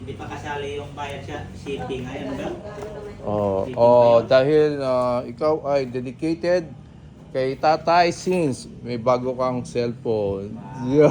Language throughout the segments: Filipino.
Hindi pa kasali yung bayad sa shipping. Ayun ba? Dahil ikaw ay dedicated kay Tatay since may bago kang cellphone. Yeah.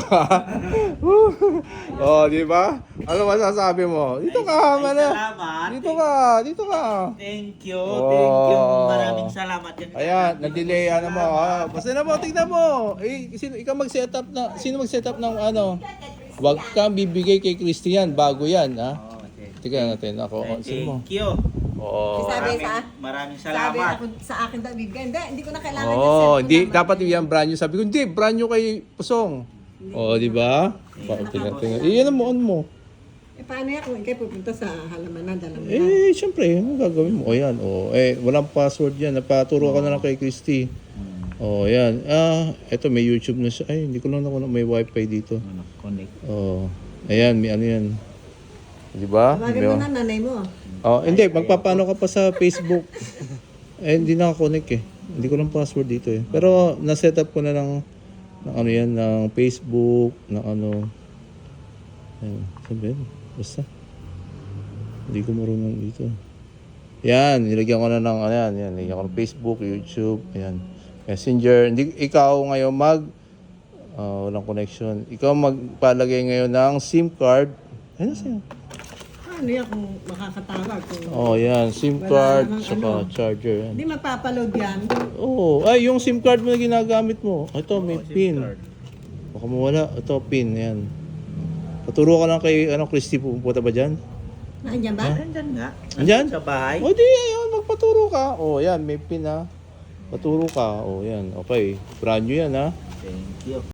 Di ba? Ano masasabi mo? Dito ka, mana. Salamat. Dito ka. Thank you. Thank you. Maraming salamat yan. Ayan, na-delay ano mo. Basta na mo, tignan mo. Ikaw mag-setup na, sino mag-setup ng ano? Huwag kang bibigay kay Christian, bago yan, ha? Tignan natin ako. Sino mo? Thank you. Maraming Sabi salamat. ako sa akin daw, bibigyan. Hindi ko na kailangan yung cellphone Hindi, number. dapat yung brand new. Sabi ko, hindi, brand new kay Pusong. Di ba? Tingnan. Iyan mo, on mo. Paano yan kung ikay pupunta sa halamanan, dalaman? Siyempre, ano gagawin mo? Ayan, walang password yan. Napaturo ka na lang kay Christy. Ayan. Eto, may YouTube na siya. Ay, hindi ko lang nakuha may wifi dito. Connect. Ayan, may ano yan. Di ba? Tawagan mo na nanay mo. Hindi, magpapano ka pa sa Facebook. Hindi nakakonect eh. Hindi ko lang password dito eh. Pero na-set up ko na ng ano yan, ng Facebook, ng ano. Ayun, sabi yun. Basta. Hindi ko marunong dito. Yan, nilagyan ko na ng, ayan, nilagyan ko ng Facebook, YouTube, ayan. Messenger. Ikaw ngayon walang connection. Ikaw magpalagay ngayon ng SIM card. Ano sa'yo? Ano yan kung makakatawag? Yan. SIM Wala card, namang saka charger. Yan. Hindi magpapaload yan. Ay, yung SIM card mo na ginagamit mo. Ito, may pin. Baka mawala. Ito, pin. Yan. Paturo ka lang kay, Christy, pupunta ba dyan? Nandiyan ba? Nandyan nga. Andyan? Sa bahay. Di, ayun, magpaturo ka. Yan, may pin ha. Paturo ka. Yan, okay. Brand new yan ha. Thank you.